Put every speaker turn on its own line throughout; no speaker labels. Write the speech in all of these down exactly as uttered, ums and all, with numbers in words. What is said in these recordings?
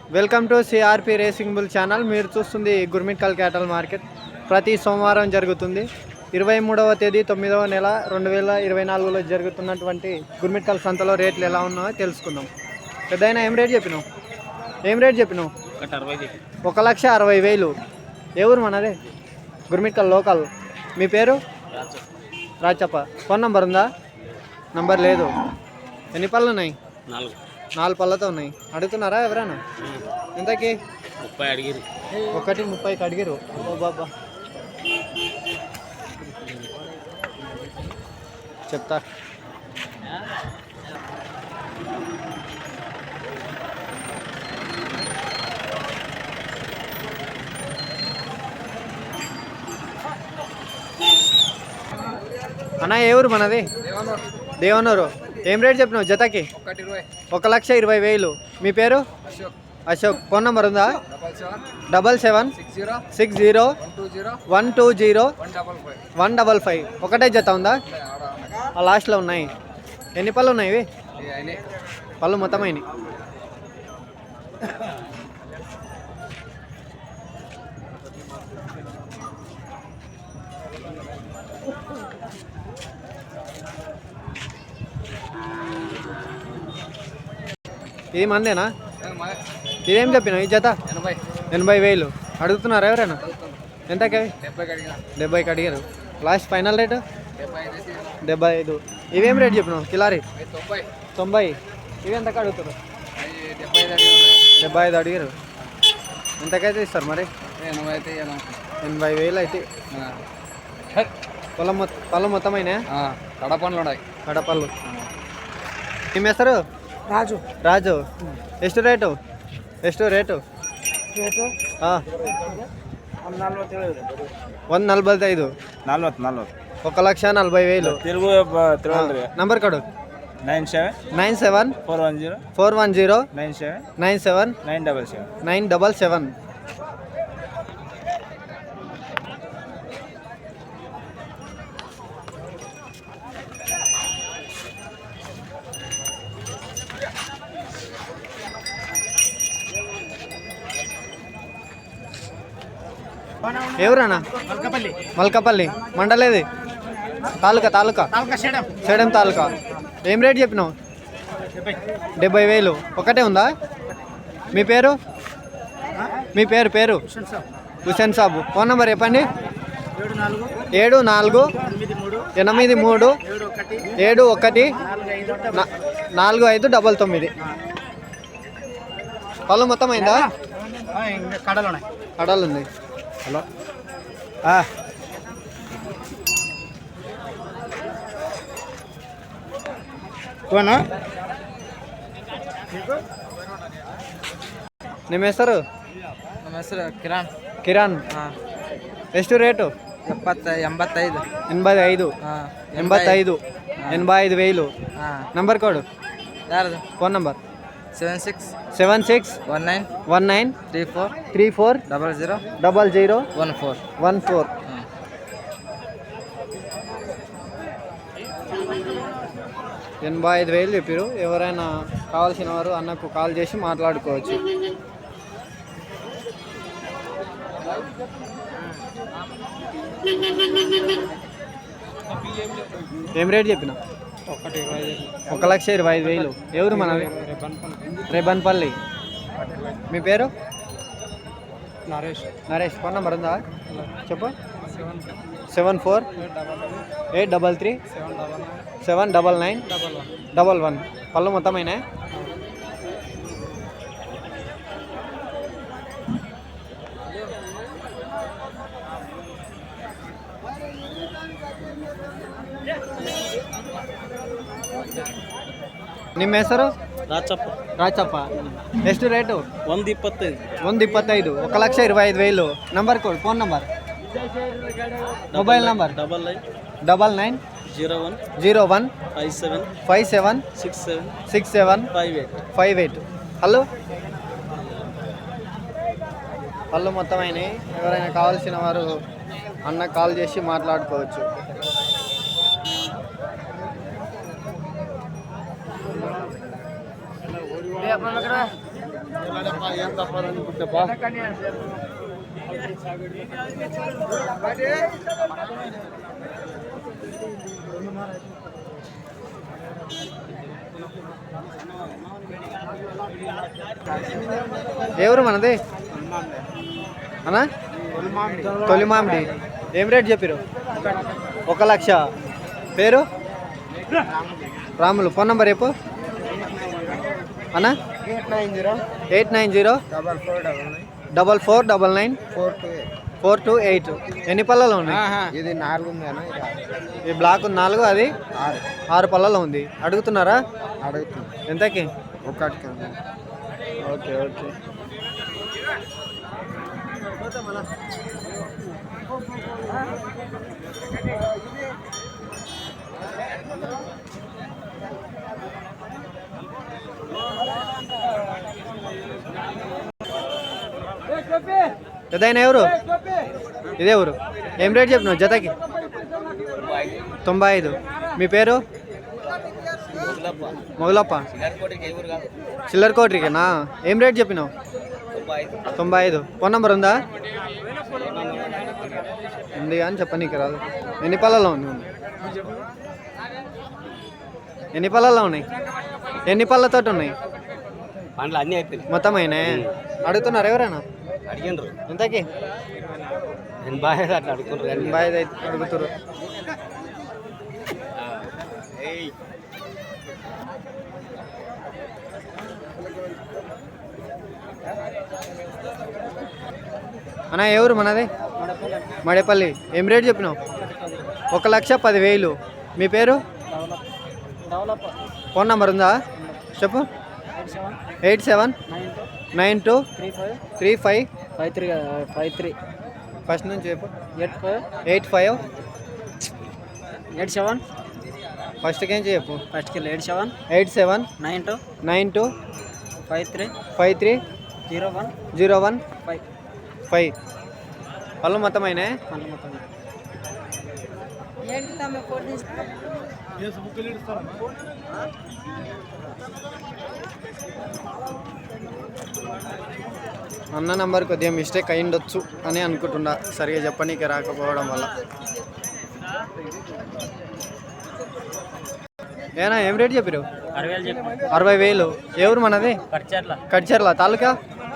Welcome to CRP racing bull channel. మీరు చూస్తుంది గుర్మిట్కల్ క్యాటల్ market. ప్రతి సోమవారం జరుగుతుంది. ఇరవై మూడవ తేదీ తొమ్మిదవ నెల రెండు వేల ఇరవై నాలుగులో జరుగుతున్నటువంటి గుర్మిట్కల్ సంతలో రేట్లు ఎలా ఉన్నాయో తెలుసుకుందాం. పెద్దయినా ఏం రేట్ చెప్పినావు? ఏం రేట్ చెప్పినావు? ఒక లక్ష అరవై వేలు. ఏ ఊరు మనదే? గుర్మిట్కల్ లోకల్. మీ పేరు? రాచప్ప. ఫోన్ నంబర్ ఉందా? నంబర్ లేదు. ఎన్ని పళ్ళు ఉన్నాయి?
నాలుగు
నాలుగు పళ్ళతో ఉన్నాయి. అడుగుతున్నారా ఎవరైనా? ఎంతకి?
ముప్పై అడిగిరు.
ఒకటి ముప్పైకి అడిగిరు. ఓ బాబా, చెప్తా. అన్న ఏ ఊరు మనది? దేవనూరు. ఏం రేట్ చెప్పినావు జతకి? ఒక లక్ష ఇరవై వేలు. మీ పేరు? అశోక్. ఫోన్ నెంబర్ ఉందా? Double seven six zero one two zero one double five. ఒకటే జత ఉందా? ఆ లాస్ట్లో ఉన్నాయి. ఎన్ని పళ్ళు ఉన్నాయి ఇవి? పళ్ళు మొత్తం అయినాయి. ఇది మందేనా? ఇదేం చెప్పినావు ఈ జత? ఎనభై వేలు. అడుగుతున్నారా ఎవరైనా? ఎంతకి? డెబ్బైకి అడిగారు. లాస్ట్ ఫైనల్ రేటు డెబ్బై ఐదు. ఇవేం రేట్ చెప్పినావు? కిలారీ తొంభై. ఇవి ఎంతకు అడుగుతారు? డెబ్బై ఐదు అడిగారు. ఎంతకైతే ఇస్తారు మరి? ఎనభై వేలు అయితే. పొలం మొత్తం పళ్ళు మొత్తం అయినా?
కడపండ్లు ఉన్నాయి.
కడపళ్ళు. ఏం వేస్తారు?
రాజు.
రాజు. ಎಷ್ಟು ರೇಟು? ಎಷ್ಟು ರೇಟು? ಹಾಂ, ಒಂದು ನಲ್ವತ್ತೈದು.
నలవತ್ತು నలవತ್ತು
ఒక లక్ష నలభై వేలు.
తెలుగు
నంబర్ కొడు.
Nine seven
nine seven
four one zero
four one zero
nine seven
nine seven
nine double seven
nine double seven. ఎవరన్నా? మల్కపల్లి. మండలేది? తాలూకా తాలూకా సేడం తాలూకా. ఏం రేట్ చెప్పినావు? డెబ్బై వేలు. ఒకటే ఉందా? మీ పేరు? మీ పేరు పేరు హుసేన్ సాబు. ఫోన్ నెంబర్ చెప్పండి. ఏడు నాలుగు ఎనిమిది మూడు ఏడు ఒకటి నాలుగు ఐదు డబల్ తొమ్మిది. పళ్ళు మొత్తం అయిందా? కడలు ఉంది. హలో,
కోనా?
ನಿಮ್ಮ ಹೆಸರು?
ನಮ್ಮ ಹೆಸರು ಕಿರಣ್.
ಕಿರಣ್. ಎಷ್ಟು ರೇಟು?
ಎಪ್ಪತ್ತ ಎಂಬತ್ತೈದು.
ఎనభై ఐదు. ఎంబత్తైదు. ఎనభై ఐదు వేలు. Number code?
ಯಾರದು?
Phone number?
Seven six
seven six
one nine
one nine
three four
three four
double zero
double zero
one four
one four. ఎనభై ఐదు వేలు చెప్పారు. ఎవరైనా కావాల్సిన వారు అన్నకు కాల్ చేసి మాట్లాడుకోవచ్చు. ఏం రేట్ చెప్పిన? ఒక లక్ష ఇరవై ఐదు వేలు. ఎవరు మనవి? రేబన్పల్లి. మీ పేరు?
నరేష్.
నరేష్. ఫోన్ నెంబర్ ఉందా? చెప్పు. Seven four eight double three seven double nine double one. పళ్ళు మొత్తం అయినా? ನಿಮ್ಮ ಹೆಸರು?
రాచప్ప.
రాచప్ప. ಎಷ್ಟು ರೇಟು?
ಒಂದು ಇಪ್ಪತ್ತೈದು.
ಒಂದು ಇಪ್ಪತ್ತೈದು. ఒక లక్ష ఇరవై ఐదు వేలు. Number code? Phone number? Mobile number?
Double nine
double nine
zero one
zero one
five seven
five seven
six seven
six seven
five eight
five eight. Hello, పళ్ళు మొత్తం అయినాయి. ఎవరైనా కావాల్సిన వారు అన్న కాల్ చేసి మాట్లాడుకోవచ్చు. ఎవరు మనది అన్నా తొలి మామిడి ఏం రేట్ చెప్పారు? ఒక లక్ష. పేరు రాములు. ఫోన్ నెంబర్ చెప్పు అన్నా. Eight nine zero double four double nine four two eight. ఎన్ని పళ్ళలో ఉన్నాయి?
ఇది నాలుగు
ఈ బ్లాక్ నాలుగు, అది ఆరు పళ్ళలో ఉంది. అడుగుతున్నారా?
అడుగుతుంది
ఎంతకి?
ఒకటికి.
Okay okay. పెద్దయినా ఎవరు? ఇదే ఊరు. ఏం రేట్ చెప్పినావు జతకి? తొంభై ఐదు. మీ పేరు? మొగలప్ప. చిల్లర కోట్రికేనా? ఏం రేట్ చెప్పినావు? తొంభై ఐదు. ఫోన్ నెంబర్ ఉందా? ఉంది అని చెప్పనీకి రాదు. ఎన్ని పళ్ళలో ఉంది? ఎన్ని పళ్ళలో ఉన్నాయి? ఎన్ని పళ్ళతో ఉన్నాయి?
పండ్లు అన్నీ అయిపోయినాయి
మొత్తం అయినాయి. అడుగుతున్నారు ఎవరైనా?
అడిగినరు
ఎంతకి?
ఎనభై ఐదు అట్లా అడుగుతున్నారు.
ఎనభై ఐదు అయితే అడుగుతారు. అన్నా ఎవరు మనది? మడేపల్లి. ఏం రేట్ చెప్పినావు? ఒక లక్ష పదివేలు. మీ పేరు? ఫోన్ నెంబర్ ఉందా? చెప్పు. Eight seven nine two three five
five three five three
first నుంచి చెప్పు.
Eight five
eight five
eight seven
ఫస్ట్కి ఏం చెప్పు.
ఫస్ట్కి eight seven
eight seven
nine two
nine two
five three
five three
zero one
zero one
five
five. పళ్ళు మొత్తం అయినా?
మళ్ళీ మొత్తం
అన్న నంబర్ కొద్దిగా మిస్టేక్ అయ్యిండొచ్చు అని అనుకుంటున్నా, సరిగా చెప్పనీకి రాకపోవడం వల్ల. ఏనా ఏం రేట్ చెప్పారు? అరవై వేలు. ఎవరు మనది? కడ్చర్ల. తాలూకా?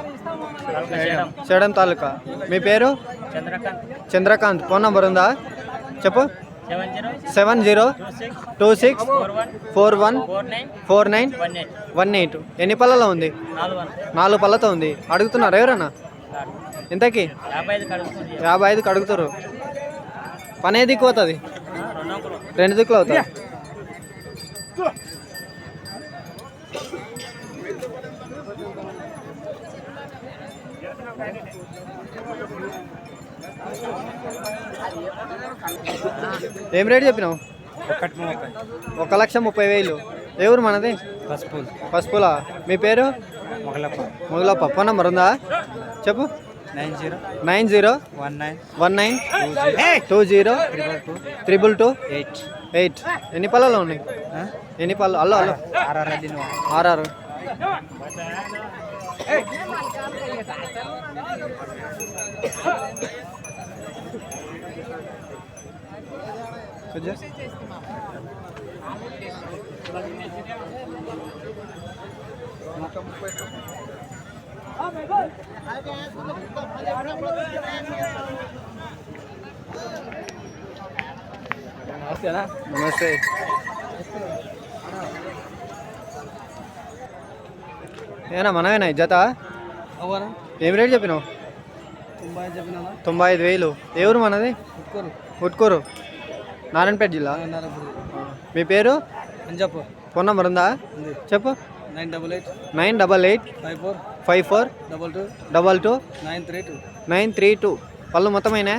సేడం తాలూకా. మీ పేరు? చంద్రకాంత్. ఫోన్ నంబర్ ఉందా? చెప్పు. Seven zero two six four one four nine one eight. ఎన్ని పళ్ళలో ఉంది? నాలుగు పళ్ళతో ఉంది. అడుగుతున్నారు ఎవరన్నా? ఎంతకి? యాభై ఐదుకి అడుగుతారు. పని ఏ దిక్కు అవుతుంది? రెండు దిక్కులు అవుతుంది. ఏం రేట్ చెప్పినావు? ఒక లక్ష ముప్పై వేలు. ఎవరు మనది?
పసుపు
పసుపులా. మీ పేరు?
మొగలప్ప.
మొగలప్ప. ఫోన్ నెంబర్ ఉందా? చెప్పు.
Nine zero
nine zero
one nine
one nine two zero triple two
eight
eight. ఎన్ని పళ్ళలో ఉన్నాయి? ఎన్ని పళ్ళు? అల్లో అల్లో
ఆర్ఆర్
ఆర్ఆర్. నమస్తే. ఏనా మనమేనా జత? ఏం రేట్ చెప్పినావు? తొంభై ఐదు వేలు. ఎవరు మనది? ఉట్కూరు. నారాయణపేట జిల్లా. మీ పేరు?
చెప్పు.
ఫోన్ నెంబర్ ఉందా? చెప్పు.
Nine double eight
nine double eight
five four
five four
double two
double two
nine three two
nine three two. పళ్ళు మొత్తమైనా?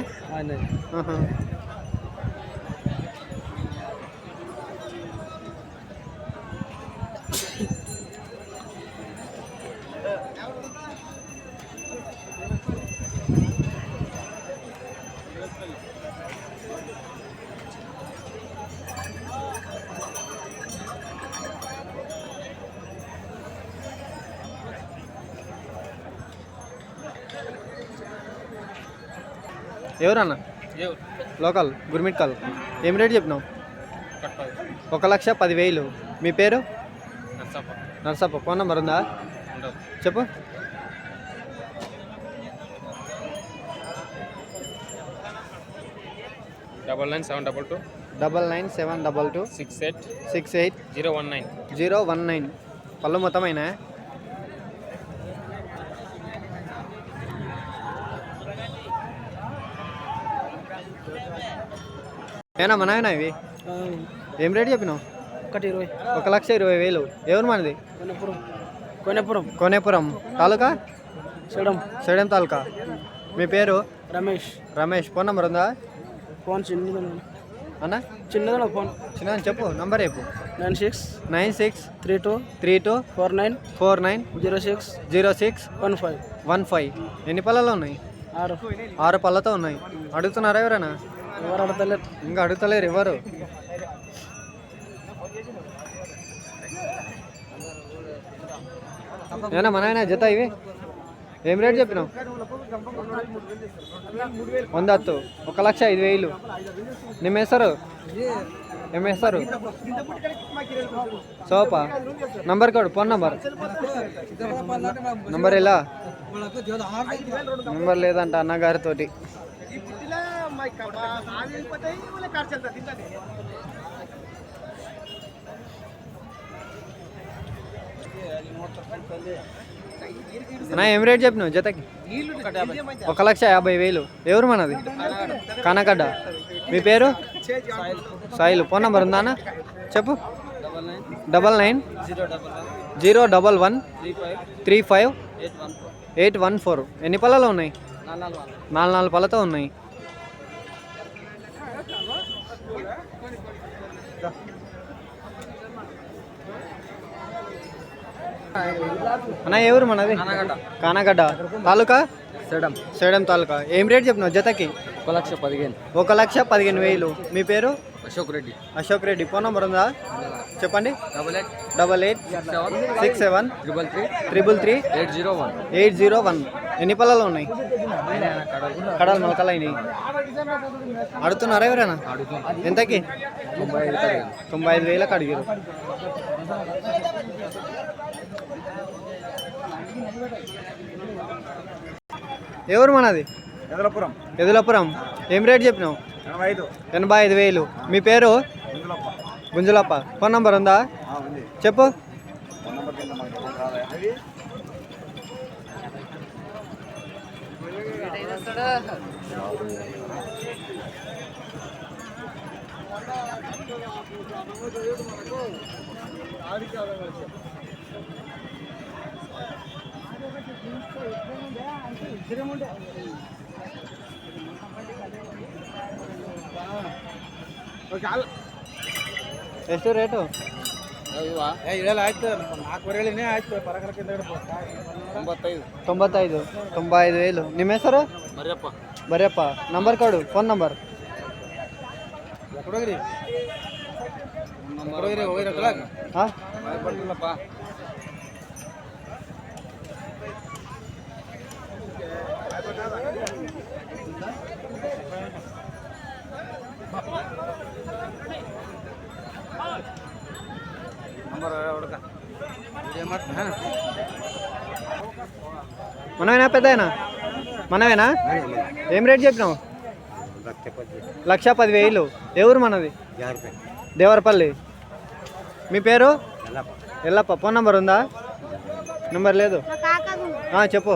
ఎవరన్నా లోకల్ గుర్మిట్కల్. ఏం రేట్ చెప్పినావు? ఒక లక్ష పదివేలు. మీ పేరు? నర్సప్ప. ఫోన్ నెంబర్ ఉందా? చెప్పు.
Double nine seven double two
double nine seven double two
six eight
six eight
zero one nine
zero one nine. పళ్ళు మొత్తమైనా? ఏనా మనవేనా ఇవి? ఏం రేట్ చెప్పినావు?
ఒకటి ఇరవై.
ఒక లక్ష ఇరవై వేలు. ఎవరు మనది?
కొనేపురం. కొనేపురం.
కోనేపురం తాలూకా?
సేడం.
సేడం తాలూకా. మీ పేరు?
రమేష్.
రమేష్. ఫోన్ నెంబర్ ఉందా?
ఫోన్ చిన్నది
అన్న
చిన్నదా ఫోన్?
చిన్న చెప్పు. నంబర్ చెప్పు.
Nine six
nine six
three two
three two
four nine
four nine
zero six
zero six
one five
one five. ఎన్ని పళ్ళలో ఉన్నాయి?
ఆరు.
ఆరు పళ్ళతో ఉన్నాయి. అడుగుతున్నారా ఎవరైనా?
ఎవరు అడతలేరు.
ఇంకా అడుగుతలేరు ఎవరు. ఏనా మన జత ఇవి? ఏం రేట్ చెప్పినావు? వంద హత్తు. ఒక లక్ష ఐదు వేలు. ನಿಮ್ಮ ಹೆಸರು? ఏం వేస్తారు? సోపా. Number code. Phone number number ఎలా? నంబర్ లేదంట అన్నగారితో. అన్నా ఏం రేట్ చెప్పినావు జతకి? ఒక లక్ష యాభై వేలు. ఎవరు మనది? కానగడ్డ. మీ పేరు? సాయిల్. ఫోన్ నెంబర్ ఉందా అన్న? చెప్పు. Double nine zero double one three five eight one four. ఎన్ని పళ్ళలో ఉన్నాయి? నాలుగు నాలుగు పళ్ళతో ఉన్నాయి. అన్న ఎవరు మనది? కానగడ్డ తాలూకా?
సేడం.
సేడం తాలూకా. ఏం రేట్ చెప్పినావు జతకి?
ఒక లక్ష పదిహేను.
ఒక లక్ష పదిహేను వేలు. మీ పేరు?
అశోక్ రెడ్డి.
అశోక్ రెడ్డి. ఫోన్ నెంబర్ ఉందా? చెప్పండి.
Double eight
double eight
seven
six seven
triple three
triple three
eight zero one
eight zero one. ఎన్ని పళ్ళలో ఉన్నాయి? కడలు మొలకలైనవి. అడుగుతున్నారా ఎవరైనా? ఎంతకి?
తొంభై ఐదు.
తొంభై ఐదు వేలకు అడిగారు. ఎవరు మనది?
ఎదలపురం.
ఎదులపురం. ఏం రేట్ చెప్పినావు?
ఎనభై ఐదు.
ఎనభై ఐదు వేలు. మీ పేరు? గుంజులప్ప. ఫోన్ నంబర్ ఉందా? చెప్పు. ಎಷ್ಟು ರೇಟು?
ತೊಂಬತ್ತೈದು.
ತೊಂಬತ್ತೈದು. ತೊಂಬೈ ಐದು ವೇಲು. ನಿಮ್ಮ ಹೆಸರು?
ಮರ್ಯಪ್ಪ.
ಬರೆಯಪ್ಪ. ನಂಬರ್ ಕೊಡು. Phone number. ಹಾಂ మనమేనా పెద్దయినా? మనమేనా? ఏం రేట్ చెప్పినావు? లక్ష పదివేలు. ఎవరు మనది? దేవరపల్లి. మీ పేరు? ఎల్లప్ప. ఫోన్ నెంబర్ ఉందా? నెంబర్ లేదు. చెప్పు.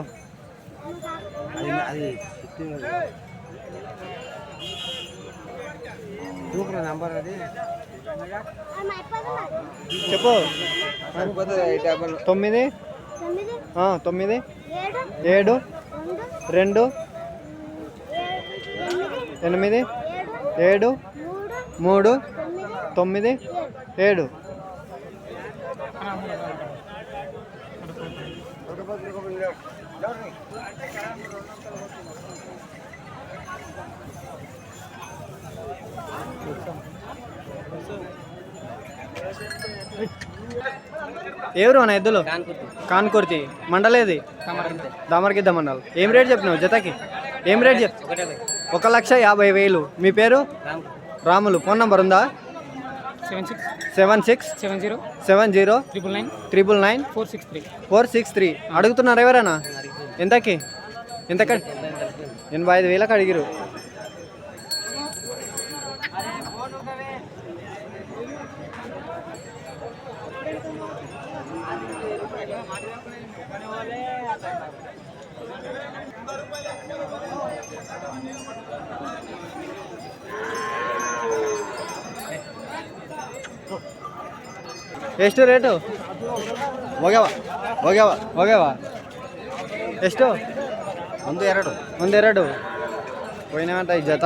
చెప్పు. తొమ్మిది తొమ్మిది ఏడు రెండు ఎనిమిది ఏడు మూడు తొమ్మిది ఏడు. ఎవరు అన్న ఎద్దులు? కాన్కుర్తి. మండలేది? దామరగిద్ద మండల్. ఏం రేట్ చెప్పినావు జతకి? ఏం రేట్ చెప్ ఒక లక్ష యాభై వేలు. మీ పేరు? రాములు. ఫోన్ నంబర్ ఉందా?
Seven six
seven six
seven zero
seven zero
triple nine
triple nine
four six three.
Four six three. అడుగుతున్నారు ఎవరైనా? ఎంతకి? ఎంతకి? ఎనభై ఐదు వేలకు అడిగిరు. ಎಷ್ಟು ರೇಟು? ಹೋಗ್ಯಾವ ಹೋಗ್ಯಾವ ಹೋಗ್ಯಾವ ಎಷ್ಟು?
ಒಂದು ಎರಡು
ಒಂದೆರಡು పోయినామంట ఈ జత.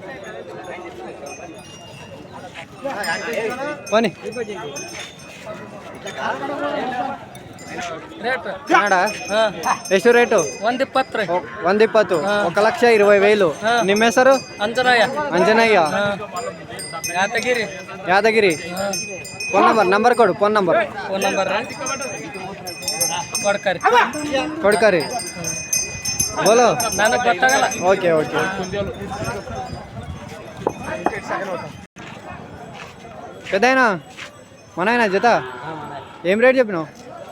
పోనీ
ರೇಟ್
ಕನ್ನಡ ಎಷ್ಟು ರೇಟು?
ಒಂದು ಇಪ್ಪತ್ತು ರೀ.
ಒಂದ್ ಇಪ್ಪತ್ತು. ఒక లక్ష ఇరవై వేలు. ನಿಮ್ಮ ಹೆಸರು?
Anjanaya
Anjanayya.
Yatagiri.
Yadagiri. Phone number number కొడు. ఫోన్ నంబర్
ಫೋನ್ ನಂಬರ್ ಕೊಡ್ಕರಿ
కొడుకరి బోలో.
ನನಗೆ ಗೊತ್ತಾಗಲ್ಲ.
Okay okay. పెద్దయినా మనైనా జత ఏం రేట్ చెప్పినావు?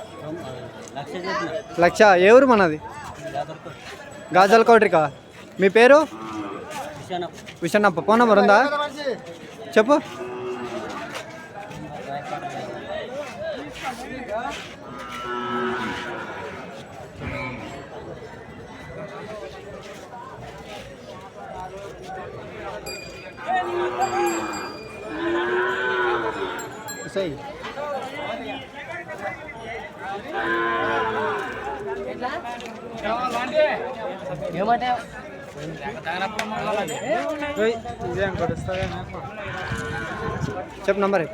లక్ష. ఏ ఊరు మనది? గాజల్ కౌట్రికా. మీ పేరు? విషణప్ప. ఫోన్ నెంబర్ ఉందా? చెప్పు. సై చెప్పు నంబర్.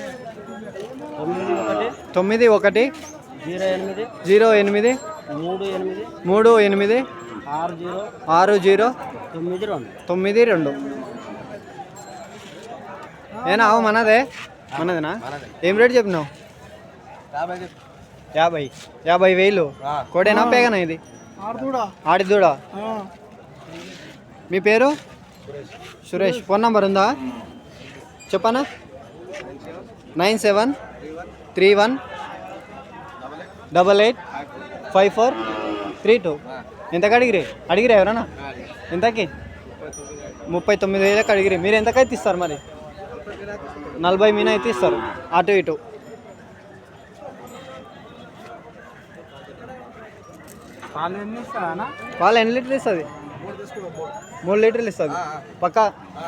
తొమ్మిది ఒకటి
జీరో ఎనిమిది
జీరో ఎనిమిది
మూడు ఎనిమిది
మూడు ఎనిమిది
ఆరు జీరో
ఆరు జీరో
తొమ్మిది రెండు.
తొమ్మిది రెండు. ఏనా అవు మనదే? మనదేనా? ఏం రేట్ చెప్పినావు? యాభై యాభై వేలు. కోడేనా పేగనా ఇది? ఆడిదూడా. మీ పేరు? సురేష్. ఫోన్ నంబర్ ఉందా? చెప్పనా? Nine seven three one double eight five four three two. ఎంతకు అడిగిరి? అడిగిరా ఎవరన్నా? ఎంతకి? ముప్పై తొమ్మిది వేలకు అడిగిరి. మీరు ఎంతకైతే ఇస్తారు మరి? నలభై మీన అయితే ఇస్తారు అటు ఇటు. పాలు ఎన్ని లీటర్లు ఇస్తుంది? మూడు లీటర్లు ఇస్తుంది పక్కా.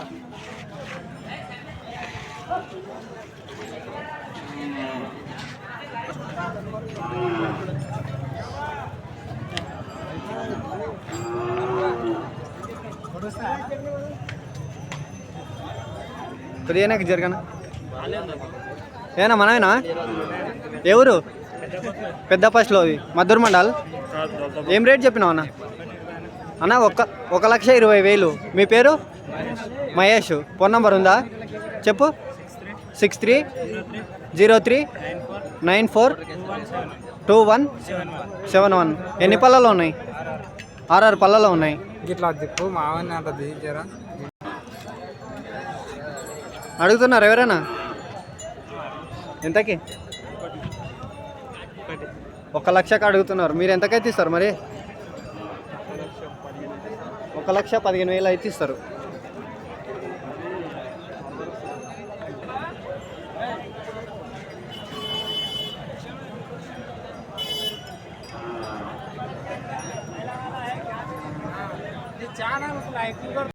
కొద్దిగా జరగనా? ఏనా మనమేనా? ఎవరు? పెద్ద ఫస్ట్లో మద్దూరు మండల్. ఏం రేట్ చెప్పినావు అన్న? అన్న ఒక ఒక లక్ష ఇరవై వేలు. మీ పేరు? మహేష్. ఫోన్ నంబర్ ఉందా? చెప్పు. Six three zero three nine four two one seven one. ఎన్ని పళ్ళలో ఉన్నాయి? ఆర్ఆర్ పళ్ళలో ఉన్నాయి.
ఇట్లా దిప్పు మావని అంత దించారా?
అడుగుతున్నారు ఎవరైనా? ఎంతకి? ఒక లక్షకి అడుగుతున్నారు. మీరు ఎంతకైతే ఇస్తారు మరి? ఒక లక్ష పదిహేను వేలు అయితే ఇస్తారు.
Channel like